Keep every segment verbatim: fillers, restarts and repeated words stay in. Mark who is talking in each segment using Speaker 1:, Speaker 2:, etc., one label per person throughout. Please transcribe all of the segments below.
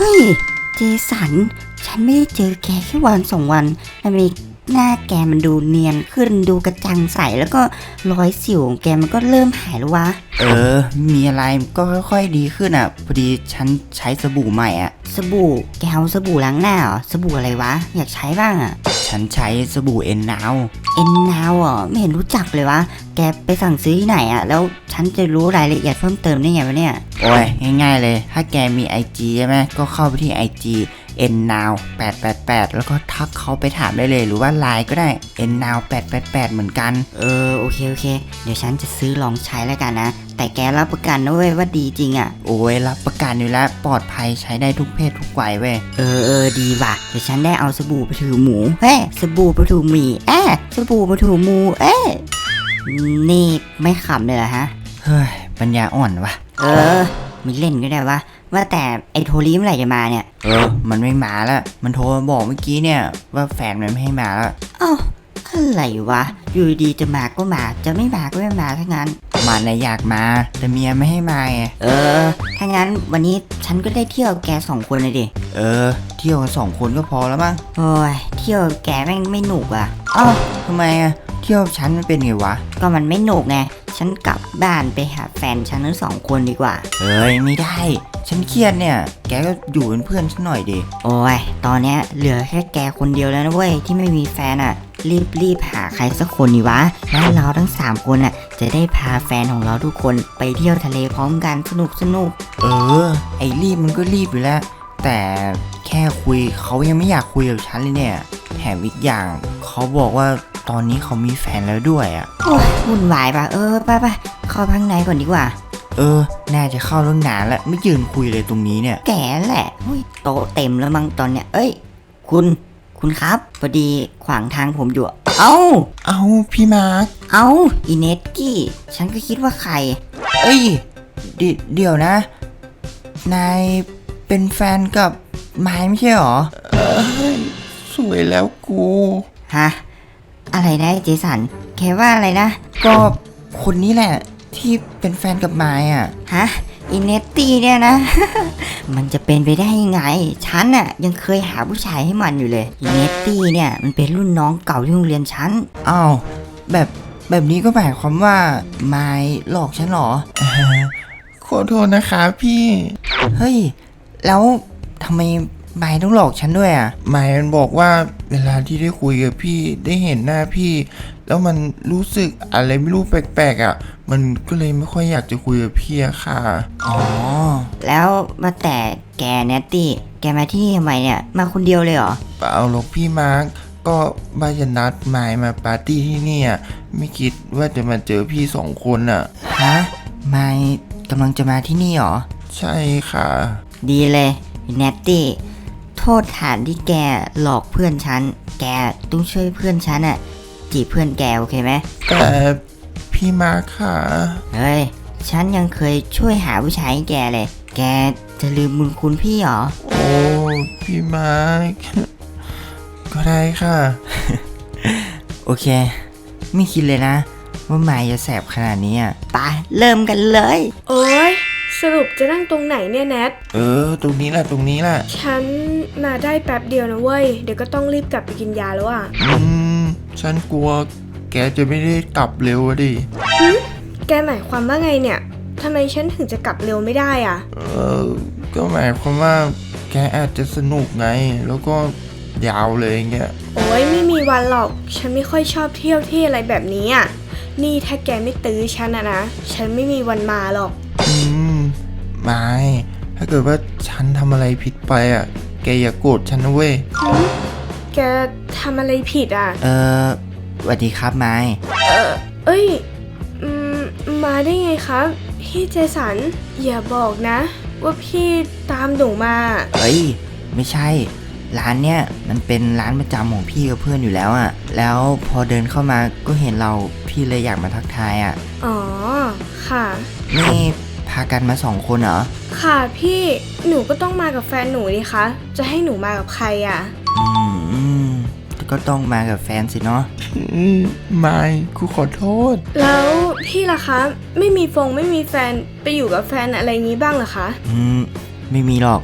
Speaker 1: ฮ้ยเจสันฉันไม่ได้เจอแกแค่วันสองวันทำไมหน้าแกมันดูเนียนขึ้นดูกระจ่างใสแล้วก็รอยสิวของแกมันก็เริ่มหายแล้ววะ
Speaker 2: เออมีอะไรก็ค่อยๆดีขึ้นอ่ะพอดีฉันใช้สบู่ใหม่อ่ะ
Speaker 1: สบู่แกเอาสบู่ล้างหน้าเหรอสบู่อะไรวะอยากใช้บ้างอ่ะ
Speaker 2: ฉันใช้สบู่เอ็นนาว
Speaker 1: เอ็นนาวอ่ะไม่เห็นรู้จักเลยวะแกไปสั่งซื้อที่ไหนอ่ะแล้วฉันจะรู้รายละเอียดเพิ่มเติมได้ไงวะเนี่ย
Speaker 2: โอ้ยง่ายๆเลยถ้าแกมี ไอ จี ใช่ไหมก็เข้าไปที่ ไอ จี เอ็น นาว แปด แปด แปดแล้วก็ทักเขาไปถามได้เลยหรือว่าไลน์ก็ได้ เอ็น นาว แปด แปด แปดเหมือนกัน
Speaker 1: เออโอเคโอเคเดี๋ยวฉันจะซื้อลองใช้แล้วกันนะแต่แกรับประกันนะเว้ยว่าดีจริงอ่ะ
Speaker 2: โอ้ยรับประกันอยู่แล้วปลอดภัยใช้ได้ทุกเพศทุกวัยเว้ย
Speaker 1: เออเออดีว่ะเดี๋ยวฉันได้เอาสบู่ไปถูหมูเฮ้สบู่ไปถูหมีเอ๊สบู่ไปถูหมูเอ๊นี่ไม่ขำเลยเหรอฮะ
Speaker 2: เฮ้ยปัญญาอ่อนวะ
Speaker 1: เออมีเล่นก็ได้วะว่าแต่ไอ้โทรีเมื่อไหร่จะมาเนี่ย
Speaker 2: เออมันไม่มาแล้วมันโทรมาบอกเมื่อกี้เนี่ยว่าแฟนมันไม่ให้มาแล้ว
Speaker 1: อ้าวอะไรวะอยู่ดีจะมาก็มาจะไม่มาก็ไม่มาทั้งนั้น
Speaker 2: มันน่ะอยากมาแต่เมียไม่ให้มาไง
Speaker 1: เออถ้างั้นวันนี้ฉันก็ได้เที่ยวแกสองคนเลยดิ
Speaker 2: เออเที่ยวกันสองคนก็พอแล้วมั้ง
Speaker 1: โอ้ยเที่ยวแกแม่งไม่หนุกอ่ะ
Speaker 2: อ้าวทำไมอ่ะเที่ยวฉันมันเป็นไงวะ
Speaker 1: ก็มันไม่หนุกไงฉันกลับบ้านไปหาแฟนฉันทั้งสองคนดีกว่า
Speaker 2: เฮ้ยไม่ได้ฉันเครียดเนี่ยแกก็อยู่เป็นเพื่อนฉันหน่อยดิ
Speaker 1: โอ้ยตอนเนี้ยเหลือแค่แกคนเดียวแล้วนะเว้ยที่ไม่มีแฟนอ่ะรีบรีบหาใครสักคนดีวะแล้วเราทั้งสามคนอ่ะจะได้พาแฟนของเราทุกคนไปเที่ยวทะเลพร้อมกันสนุกสนุก
Speaker 2: เออไอ้รีบมันก็รีบอยู่แล้วแต่แค่คุยเขายังไม่อยากคุยกับฉันเลยเนี่ยแถมอีกอย่างเขาบอกว่าตอนนี้เขามีแฟนแล้วด้วยอ่ะ
Speaker 1: โอ้ยวุ่นวายป่ะเออไปไปเข้าข้างในก่อนดีกว่า
Speaker 2: เออน่าจะเข้าเรื่องนานแล้วไม่ยืนคุยเลยตรงนี้เนี่ย
Speaker 1: แกแหละโต๊ะเต็มแล้วมั้งตอนเนี้ยเอ้ยคุณคุณครับพอดีขวางทางผมอยู่เอ้า
Speaker 2: เอ้าพี่มาร์ค
Speaker 1: เอ้าอีเนตกี้ฉันก็คิดว่าใคร
Speaker 2: เอ้ยเดเดี๋ยวนะนายเป็นแฟนกับไม้ไม่ใช่หรอเอ้ยสวยแล้วกู
Speaker 1: ฮะอะไรนะเจสันแค่ว่าอะไรนะ
Speaker 2: ก็คนนี้แหละที่เป็นแฟนกับไม้อ่ะ
Speaker 1: ฮะอินเนตตี้เนี่ยนะ มันจะเป็นไปได้ยังไงฉันน่ะยังเคยหาผู้ชายให้มันอยู่เลยอินเนตตี้เนี่ยมันเป็นรุ่นน้องเก่าที่โรงเรียนฉัน
Speaker 2: อ้าวแบบแบบนี้ก็หมายความว่าไม้หลอกฉันหรอขอโทษนะคะพี่เฮ้ยแล้วทำไมไม้ต้องหลอกฉันด้วยอ่ะไม้มันบอกว่าเวลาที่ได้คุยกับพี่ได้เห็นหน้าพี่แล้วมันรู้สึกอะไรไม่รู้แปลกๆอ่ะมันก็เลยไม่ค่อยอยากจะคุยกับพี่อะค่ะ
Speaker 1: อ๋อแล้วมาแต่แกเนตตี้แกมาที่นี่ทำไมเนี่ยมาคนเดียวเลยเหรอ
Speaker 2: เปล่าหรอกพี่มาร์คก็บ้านจะนัดไม้มาปาร์ตี้ที่นี่อ่ะไม่คิดว่าจะมาเจอพี่สองคนอ่ะ
Speaker 1: ฮะไม้กำลังจะมาที่นี่เหรอ
Speaker 2: ใช่ค่ะ
Speaker 1: ดีเลยเนตตี้โทษฐานที่แกหลอกเพื่อนฉันแกต้องช่วยเพื่อนฉันอ่ะจีบเพื่อนแกโอเคไหม
Speaker 2: แต่พี่มาร์คค่ะ
Speaker 1: เฮ้ยฉันยังเคยช่วยหาผู้ชายให้แกเลยแกจะลืมบุญคุณพี่หรอ
Speaker 2: โอ้พี่มาร์คก็ได้ค่ะ โอเคไม่คิดเลยนะว่าไม้จะแสบขนาดนี้อ่ะ
Speaker 1: ไปเริ่มกันเลย
Speaker 3: โอ้ยสรุปจะนั่งตรงไหนเนี่ยแนท
Speaker 2: เออตรงนี้แหละตรงนี้แหละ
Speaker 3: ฉันมาได้แป๊บเดียวนะเว้ยเดี๋ยวก็ต้องรีบกลับไปกินยาแล้วอ่ะ
Speaker 2: อืมฉันกลัวแกจะไม่ได้กลับเร็วดิ
Speaker 3: หึแกหมายความว่าไงเนี่ยทำไมฉันถึงจะกลับเร็วไม่ได้อ่ะ
Speaker 2: เออก็หมายความว่าแกอาจจะสนุกไงแล้วก็ยาวเลยเงี้ย
Speaker 3: โอ้ยไม่มีวันหรอกฉันไม่ค่อยชอบเที่ยวที่อะไรแบบนี้อ่ะนี่ถ้าแกไม่ตื้อฉันอะนะฉันไม่มีวันมาหรอก
Speaker 2: อืมไม่ถ้าเกิดว่าฉันทำอะไรผิดไปอ่ะแกอย่าโกรธฉันนะเว้ย
Speaker 3: แกทำอะไรผิดอ่ะ
Speaker 2: เออสวัสดีครับไม้
Speaker 3: เออเอ้ยอืมมาได้ไงครับพี่เจสันอย่าบอกนะว่าพี่ตามหนูมา
Speaker 2: เฮ้ยไม่ใช่ร้านเนี้ยมันเป็นร้านประจำของพี่กับเพื่อนอยู่แล้วอ่ะแล้วพอเดินเข้ามาก็เห็นเราพี่เลยอยากมาทักทายอ่ะ
Speaker 3: อ๋อค่ะ
Speaker 2: นี่พากันมาสองคนเหรอ
Speaker 3: ค่ะพี่หนูก็ต้องมากับแฟนหนูดิคะจะให้หนูมากับใครอ่ะ
Speaker 2: อืมก็ต้องมากับแฟนสิเนาะอืมไม่กูขอโทษ
Speaker 3: แล้วพี่ล่ะคะไม่มีฟงไม่มีแฟนไปอยู่กับแฟนอะไรงี้บ้างเหรอคะ
Speaker 2: อืมไม่มีหรอก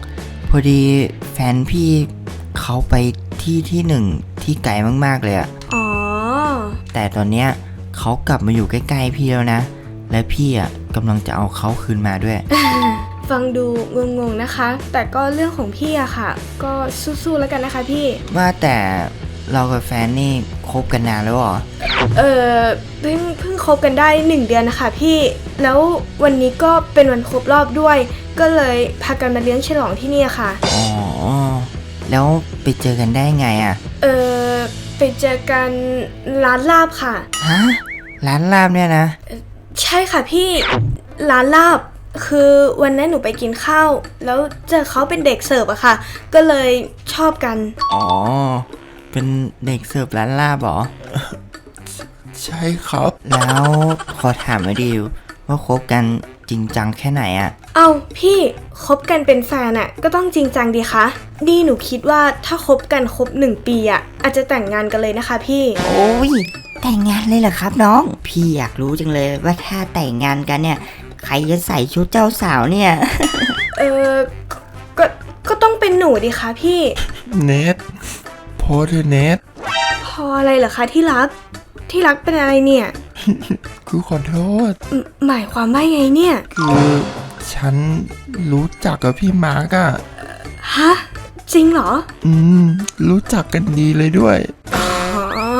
Speaker 2: พอดีแฟนพี่เขาไปที่ที่หนึ่งที่ไกลมากๆเลยอะ
Speaker 3: อ๋อ
Speaker 2: แต่ตอนเนี้ยเขากลับมาอยู่ใกล้ๆพี่แล้วนะ และพี่อะกำลังจะเอาเขาคืนมาด้วย
Speaker 3: ฟังดูงงๆนะคะ แต่ก็เรื่องของพี่อะค่ะ ก็สู้ๆแล้วกันนะคะพี่
Speaker 2: ว่าแต่เรากับแฟนนี่คบกันนานแล้วเหรอ
Speaker 3: เออเพิ่งเพิ่งคบกันได้หนึ่งเดือนนะคะพี่ แล้ววันนี้ก็เป็นวันครบรอบด้วย ก็เลยพากันมาเลี้ยงฉลองที่นี่ค่ะ
Speaker 2: อ๋อ แล้วไปเจอกันได้ไงอะ
Speaker 3: เออไปเจอกันร้านลาบค่ะ
Speaker 2: ฮะ ร้านลาบเนี่ยนะ
Speaker 3: ใช่ค่ะพี่ร้านลาบคือวันนั้นหนูไปกินข้าวแล้วเจอเขาเป็นเด็กเสิร์ฟอะค่ะ ก็เลยชอบกัน
Speaker 2: อ๋อ เป็นเด็กเสิร์ฟร้านลาบเหรอ
Speaker 4: ใช่ครับ
Speaker 2: แล้วขอถามมาดิวว่าคบกันจริงจังแค่ไหนอะ
Speaker 3: เอาพี่คบกันเป็นแฟนอะก็ต้องจริงจังดีคะนี่หนูคิดว่าถ้าคบกันครบหนึ่งปีอะอาจจะแต่งงานกันเลยนะคะพี่
Speaker 1: โอ้ยแต่งงานเลยเหรอครับน้อง พี่อยากรู้จังเลยว่าถ้าแต่งงานกันเนี่ย ใครจะใส่ชุดเจ้าสาวเนี่ย
Speaker 3: เออก็ก็ต้องเป็นหนูดิคะพี่
Speaker 4: เนทโพสเธอเนท
Speaker 3: พออะไรเหรอคะที่รักที่รักเป็นอะไรเนี่ย
Speaker 4: คือขอโทษ
Speaker 3: หมหมายความว่าไงเนี่ย
Speaker 4: คือฉันรู้จักกับพี่มาร์กอะ
Speaker 3: ฮะจริงเหรอ
Speaker 4: อืม รู้จักกันดีเลยด้วย
Speaker 3: อ๋อ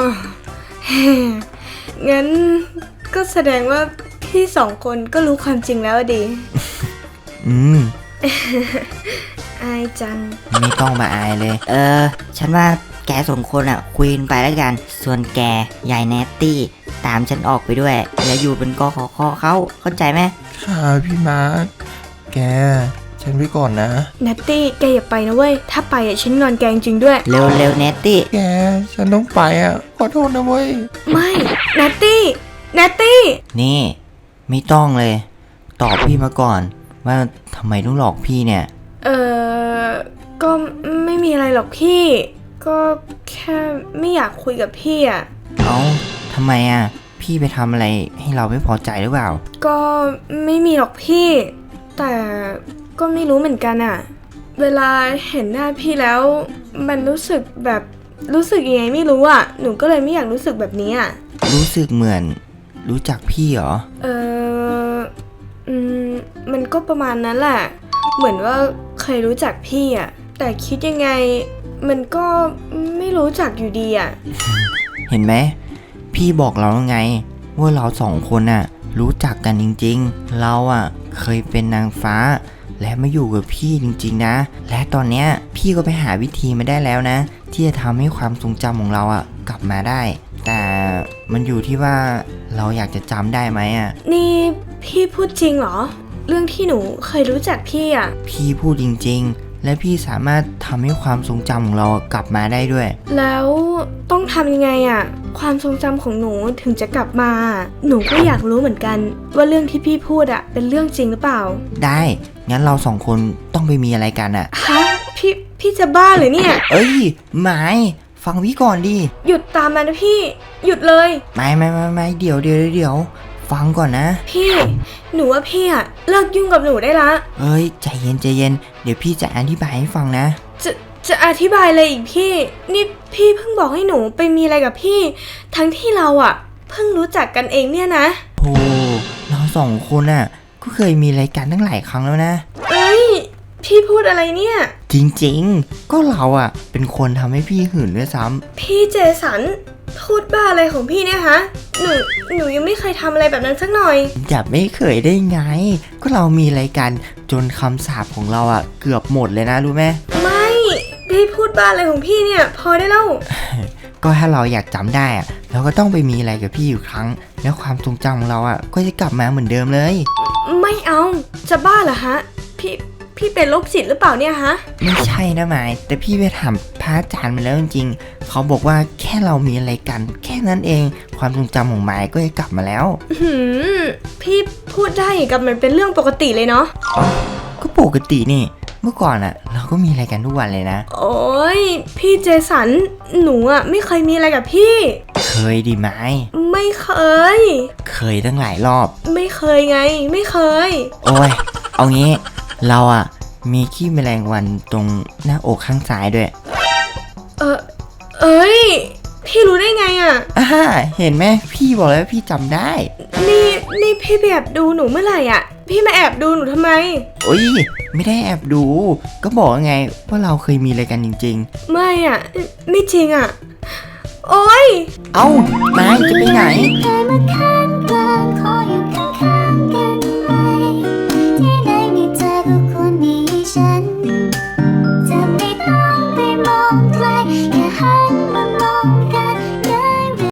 Speaker 3: งั้นก็แสดงว่าพี่สองคนก็รู้ความจริงแล้วอะดิ
Speaker 2: อืม
Speaker 3: อายจัง
Speaker 2: ไม่ต้องมาอายเลย
Speaker 1: เออ ฉันว่าแกสองคนอ่ะคุยกันไปแล้วกัน ส่วนแกยายแนตตี้ตามฉันออกไปด้วย อย่าอยู่เป็นกอขอคอเขาเข้าใจไหม
Speaker 4: ค่ะพี่มาร์กแก ฉันไปก่อนนะ
Speaker 3: นัตตี้แกอย่าไปนะเว้ย ถ้าไปอ่ะฉันงอนแกจริงๆด้วย
Speaker 1: เร็วเร็วแนตตี้
Speaker 4: แก ฉันต้องไปอะขอโทษนะเว้ย
Speaker 3: ไม่ นัตตี้นัตตี้
Speaker 2: นี่ ไม่ต้องเลย ตอบพี่มาก่อน ว่าทำไมต้องหลอกพี่เนี่ย
Speaker 3: เออก็ไม่มีอะไรหรอกพี่ ก็แค่ไม่อยากคุยกับพี่อ่ะ
Speaker 2: เอ้าทำไมอ่ะ พี่ไปทำอะไรให้เราไม่พอใจหรือเปล่า
Speaker 3: ก็ไม่มีหรอกพี่ แต่ก็ไม่รู้เหมือนกันอะเวลาเห็นหน้าพี่แล้ว มันรู้สึกแบบรู้สึกยังไงไม่รู้อะหนูก็เลยไม่อยากรู้สึกแบบนี้อะ
Speaker 2: รู้สึกเหมือน รู้จักพี่เหรอ
Speaker 3: เอออืมมันก็ประมาณนั้นแหละ เหมือนว่าเคยรู้จักพี่อะแต่คิดยังไง มันก็ไม่รู้จักอยู่ดีอะ
Speaker 2: เห็นไหม พี่บอกเราแล้วไง ว่าเราสองคนน่ะ รู้จักกันจริงๆ เราอ่ะ เคยเป็นนางฟ้า และมาอยู่กับพี่จริงๆนะ และตอนเนี้ยพี่ก็ไปหาวิธีมาได้แล้วนะ ที่จะทำให้ความทรงจำของเราอ่ะ กลับมาได้ แต่มันอยู่ที่ว่าเราอยากจะจำได้ไหมอ่ะ
Speaker 3: นี่พี่พูดจริงเหรอ เรื่องที่หนูเคยรู้จักพี่อะ
Speaker 2: พี่พูดจริงๆ และพี่สามารถทำให้ความทรงจำของเรากลับมาได้ด้วย
Speaker 3: แล้วต้องทำยังไงอะความทรงจำของหนูถึงจะกลับมา หนูก็อยากรู้เหมือนกัน ว่าเรื่องที่พี่พูดอะเป็นเรื่องจริงหรือเปล่า
Speaker 2: ได้ งั้นเราสองคนต้องไปมีอะไรกันอ่ะ
Speaker 3: ฮะพี่พี่จะบ้าเหรือเนี่ย
Speaker 2: เอ้ยหมายฟังพี่ก่อนดิ
Speaker 3: หยุดตามมานะพี่ หยุดเลย
Speaker 2: ไม่ไม่ไม่ไม่เดี๋ยวเดี๋ยวเดี๋ยวฟังก่อนนะ
Speaker 3: พี่หนูว่าพี่อะเลิกยุ่งกับหนูได้ละ
Speaker 2: เอ้ยใจเย็นใจเย็นเดี๋ยวพี่จะอธิบายให้ฟังนะ
Speaker 3: จะจะอธิบายเลยอีกพี่ นี่พี่เพิ่งบอกให้หนูไปมีอะไรกับพี่ ทั้งที่เราอะเพิ่งรู้จักกันเองเนี่ยนะ
Speaker 2: โอ้เราสองคนน่ะ ก็เคยมีรายการตั้งหลายครั้งแล้วนะ
Speaker 3: เอ้ยพี่พูดอะไรเนี่ย จ
Speaker 2: จริงๆ ก็เราอ่ะ เป็นคนทำให้พี่หื่นด้วยซ้ำ
Speaker 3: พี่เจสันพูดบ้าอะไรของพี่เนี่ยฮะ หนูหนูยังไม่เคยทำอะไรแบบนั้นสักหน่อย
Speaker 2: อย่าไม่เคยได้ไง ก็เรามีรายการจนคำสาปของเราอ่ะ เกือบหมดเลยนะรู้ไหม
Speaker 3: ไม่พี่พูดบ้าอะไรของพี่เนี่ย พอได้แล้ว
Speaker 2: ก็ถ้าเราอยากจำได้อ่ะเราก็ต้องไปมีอะไรกับพี่อยู่ครั้ง แล้วความทรงจำของเราอ่ะ ก็จะกลับมาเหมือนเดิมเลย
Speaker 3: ไม่เอาจะบ้าเหรอฮะ พี่พี่เป็นโรคจิตหรือเปล่าเนี่ยฮะ
Speaker 2: ไม่ใช่นะหมาย แต่พี่ไปถามพระอาจารย์มาแล้วจริงๆ เขาบอกว่าแค่เรามีอะไรกัน แค่นั้นเอง ความทรงจำของหมายก็จะกลับมาแล้ว
Speaker 3: หืมพี่พูดได้อย่างกับมันเป็นเรื่องปกติเลยเนาะ
Speaker 2: ก็ปกตินี่ เมื่อก่อนอะเราก็มีอะไรกันทุกวันเลยนะ
Speaker 3: โอ้ยพี่เจสันหนูอะไม่เคยมีอะไรกับพี่
Speaker 2: เคยดิไม้
Speaker 3: ไม่เคย
Speaker 2: เคยตั้งหลายรอบ
Speaker 3: ไม่เคยไง ไม่เคย
Speaker 2: โอ้ย เอางี้ เราอะมีขี้แมลงวันตรงหน้าอกข้างซ้ายด้วย
Speaker 3: เออเอ้ย พี่รู้ได้ไงอะ
Speaker 2: อ่าเห็นไหมพี่บอกแล้ววาพี่จำได้
Speaker 3: นี่นี่พี่ไปแอบดูหนูเมื่อไหร่อะพี่มาแอบดูหนูทำไม
Speaker 2: โอ้ยไม่ได้แอบดู ก็บอกไงว่าเราเคยมีอะไรกันจริง
Speaker 3: ไม่อะไม่จริงอะโอ๊ย
Speaker 2: ๆ เอ้านายจะไปไหน
Speaker 5: เธอมาข้าง